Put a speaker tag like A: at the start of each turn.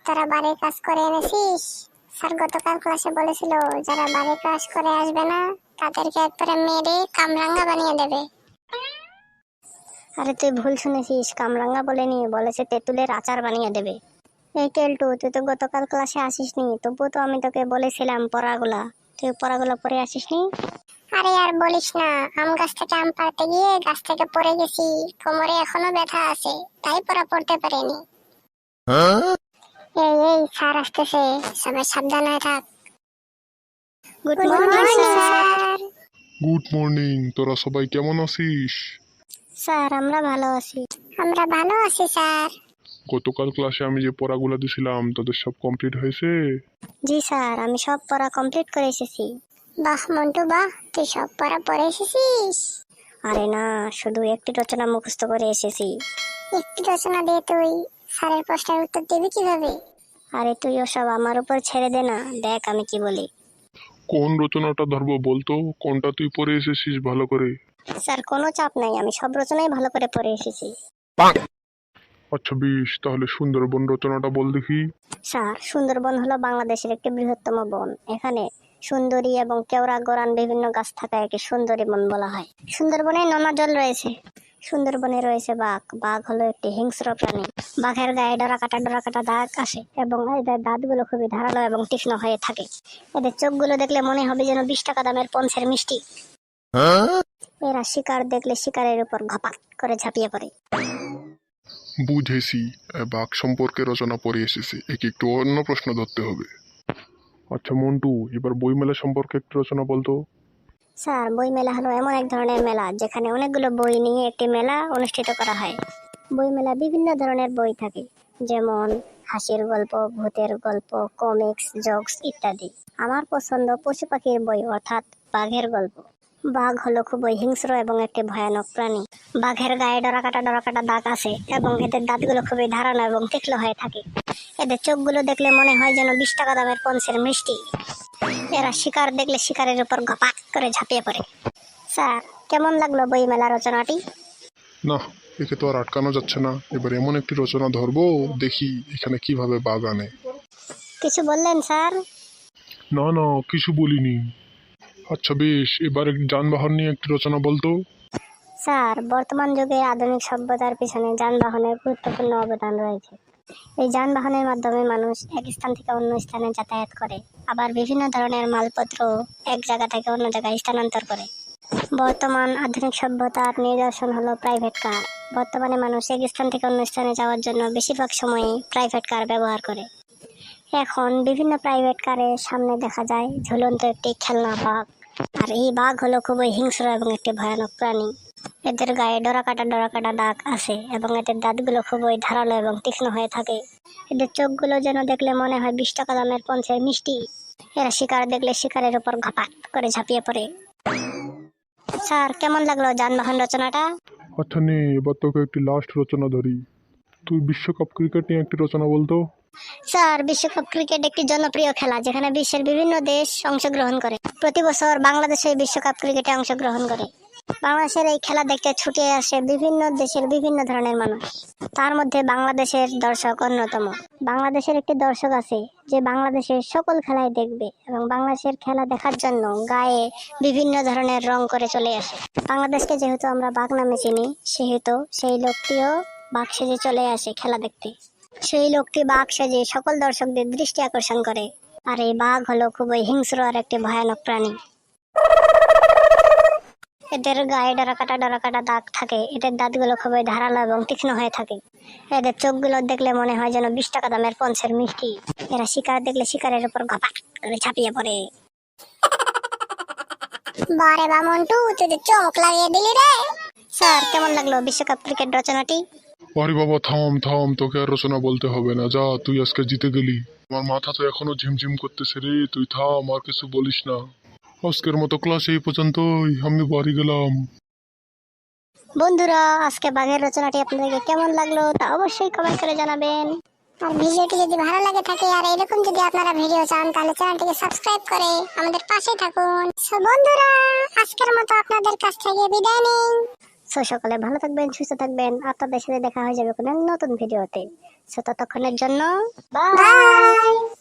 A: তোরা বাড়ির কাজ করে এনেছিস? স্যার গতকাল ক্লাসে বলেছিল যারা বাড়ির কাজ করে আসবে না তাদেরকে একবারে মেরে কামরাঙ্গা বানিয়ে দেবে।
B: আরে তুই ভুল শুনেছিস, কামরাঙ্গা বলেনি, বলেছে তেঁতুলের আচার বানিয়ে দেবে। এই কেলটু, তুই তো গতকাল ক্লাসে আসিসনি, তবুও তো আমি তোকে বলেছিলাম পড়াগুলা, তুই পড়াগুলা পড়ে আসিসনি।
A: আরে আর বলিস না, আম গাছ থেকে আম পাড়তে গিয়ে গাছ থেকে পড়ে গেছি, কোমরে এখনো ব্যথা আছে, তাই পড়া পড়তে পারিনি। এই এই স্যার আসতেছে, সবাই সাবধান হয়ে থাক।
B: Good
A: good
B: morning
A: morning
B: sir.
A: Sir.
C: Good morning. তোরা সবাই কেমন আছিস?
B: স্যার আমরা ভালো আছি।
A: আমরা ভালো আছি স্যার।
C: গতকাল ক্লাসে আমি যে পড়াগুলো দিছিলাম তোদের সব কমপ্লিট হয়েছে?
B: জি স্যার, আমি সব পড়া কমপ্লিট করে এসেছি।
A: বাহ মন্টু বাহ, তুই সব পড়া পড়ে এসেছিস?
B: আরে না, শুধু একটি রচনা মুখস্থ করে এসেছি।
A: একটি রচনা দিয়ে তুই স্যারের প্রশ্নের উত্তর দিবি কিভাবে?
B: আরে তুই ওসব আমার উপর ছেড়ে দে না, দেখ আমি কি বলি।
C: কোন রচনাটা ধরবো বলতো? কোনটা তুই পড়ে এসেছিস ভালো করে?
B: স্যার কোনো চাপ নাই, আমি সব রচনাই ভালো করে পড়ে এসেছি।
C: আচ্ছা বেশ, তাহলে সুন্দরবন রচনাটা বল দেখি।
B: স্যার, সুন্দরবন হলো বাংলাদেশের একটি বৃহত্তম বন। এখানে সুন্দরী এবং কেওড়া গড়ান বিভিন্ন গাছ থাকায় একে সুন্দরী বন বলা হয়। সুন্দরবনে নোনা জল রয়েছে। সুন্দরবনে রয়েছে বাঘ। বাঘ হলো একটি হিংস্র প্রাণী। বাঘের গায়ে ডরাকাটা দাগ আসে এবং এদের দাঁতগুলো খুবই ধারালো এবং তীক্ষ্ণ হয়ে থাকে। এদের চোখগুলো দেখলে মনে হবে যেন 20 টাকা দামের পঞ্চের মিষ্টি। এরা শিকার দেখলে শিকারের উপর ঘপাক করে ঝাঁপিয়ে পড়ে।
C: বুঝেছি, বাঘ সম্পর্কে রচনা পড়ে এসেছে, একে একটু অন্য প্রশ্ন ধরতে হবে। আচ্ছা মন্টু, এবার বইমেলা সম্পর্কে একটু রচনা বলতো।
B: স্যার, বই মেলা হলো এমন এক ধরনের মেলা যেখানে অনেকগুলো বই নিয়ে একটি মেলা অনুষ্ঠিত করা হয়। বই মেলা বিভিন্ন ধরনের বই থাকে, যেমন হাসির গল্প, ভূতের গল্প, কমিক্স, জোকস ইত্যাদি। আমার পছন্দ পশু পাখির বই, অর্থাৎ বাঘের গল্প। বাঘ হলো খুবই হিংস্র এবং একটি ভয়ানক প্রাণী। বাঘের গায়ে ডরাকাটা দাগ আছে এবং এদের দাঁতগুলো খুবই ধারালো এবং তীক্ষ্ণ হয়ে থাকে। এদের চোখগুলো দেখলে মনে হয় যেন 20 টাকা দামের পঞ্চের মিষ্টি। এরা শিকার দেখলে শিকারের উপর ঘপাক করে ঝাঁপিয়ে পড়ে। স্যার, কেমন লাগলো বই মেলা রচনাটি?
C: না, একে তো আর আটকানো যাচ্ছে না, এবার এমন একটি রচনা ধরবো, দেখি এখানে কিভাবে বাঘ আনে।
B: কিছু বললেন স্যার?
C: না না, কিছু বলিনি। আচ্ছা বেশ, এবার যানবাহন নিয়ে একটি রচনা বলতো।
B: স্যার, বর্তমান যুগে আধুনিক সভ্যতার পিছনে যানবাহনের গুরুত্বপূর্ণ অবদান রয়েছে। এই যানবাহনের মাধ্যমে মানুষ এক স্থান থেকে অন্য স্থানে যাতায়াত করে, আবার বিভিন্ন ধরনের মালপত্র এক জায়গা থেকে অন্য জায়গায় স্থানান্তর করে। বর্তমান আধুনিক সভ্যতার নিদর্শন হলো প্রাইভেট কার। বর্তমানে মানুষ এক স্থান থেকে অন্য স্থানে যাওয়ার জন্য বেশিরভাগ সময়ই প্রাইভেট কার ব্যবহার করে। এখন বিভিন্ন প্রাইভেট কারের সামনে দেখা যায় ঝুলন্ত একটি খেলনা বাঘ। আর এই বাঘ হলো খুবই হিংস্র এবং একটি ভয়ানক প্রাণী। এদের গায়ে ডরাকাটা দাগ আছে এবং এদের দাঁতগুলো খুবই ধারালো এবং তীক্ষ্ণ হয়ে থাকে। এদের চোখগুলো যেন দেখলে মনে হয় 20 টাকা দামের পঞ্চের মিষ্টি। এরা শিকার দেখলে শিকারের উপর ঘপাট করে ঝাঁপিয়ে পড়ে। স্যার, কেমন লাগলো যানবাহন রচনাটা?
C: আচ্ছা নে, এবার তোকে একটি লাস্ট রচনা ধরি। তুই বিশ্বকাপ ক্রিকেট নিয়ে একটি রচনা বলতো।
B: স্যার, বিশ্বকাপ ক্রিকেট একটি জনপ্রিয় খেলা যেখানে বিশ্বের বিভিন্ন দেশ অংশগ্রহণ করে। প্রতি বছর বাংলাদেশে বিশ্বকাপ ক্রিকেটে অংশগ্রহণ করে। বাংলাদেশের এই খেলা দেখতে ছুটে আসে বিভিন্ন দেশের বিভিন্ন ধরনের মানুষ। তার মধ্যে বাংলাদেশের দর্শক অন্যতম। বাংলাদেশের একটি দর্শক আছে যে বাংলাদেশের সকল খেলাই দেখবে এবং বাংলাদেশের খেলা দেখার জন্য গায়ে বিভিন্ন ধরনের রং করে চলে আসে। বাংলাদেশকে যেহেতু আমরা বাঘ নামে চিনি, সেহেতু সেই লোকটিও বাঘ সেজে চলে আসে খেলা দেখতে। সেই লোকটি বাঘ সেজে সকল দর্শকদের দৃষ্টি আকর্ষণ করে। আর এই বাঘ হলো খুবই হিংস্র আর একটি ভয়ানক প্রাণী। এদের গায়ে ডরাকাটা দাগ থাকে। এদের দাঁতগুলো খুবই ধারালো এবং তীক্ষ্ণ হয়ে থাকে। এদের চোখগুলো দেখলে মনে হয় যেন 20 টাকা দামের পঞ্চের মিষ্টি। এরা শিকার দেখলে শিকারের উপর ঘপাট করে ঝাঁপিয়ে পড়ে।
A: বারে বা মন্টু, তুই তো চমক লাগিয়ে দিলি রে।
B: স্যার, কেমন লাগলো বিশ্বকাপ ক্রিকেট রচনাটি?
C: আরে বাবা থাম থাম, তোকে আর রচনা বলতে হবে না, যা তুই আজকে জিতে গেলি। আমার মাথা তো এখনো ঝিমঝিম করতেছে রে, তুই থাম, আর কিছু বলিস না। আজকের মতো ক্লাস এই পর্যন্তই, আমি বাড়ি গেলাম।
B: বন্ধুরা, আজকে বাঘের রচনাটি আপনাদেরকে কেমন লাগলো তা অবশ্যই কমেন্ট করে জানাবেন।
A: আর ভিডিওটি যদি ভালো লাগে থাকে আর এরকম যদি আপনারা ভিডিও চান তাহলে চ্যানেলটিকে সাবস্ক্রাইব করে আমাদের পাশে থাকুন। সো বন্ধুরা, আজকের মতো আপনাদের কাছ থেকে বিদায় নিন।
B: সো সকালে ভালো থাকবেন, সুস্থ থাকবেন। আপনাদের সাথে দেখা হয়ে যাবে কোনো নতুন ভিডিওতে। সো ততক্ষণের জন্য বাই।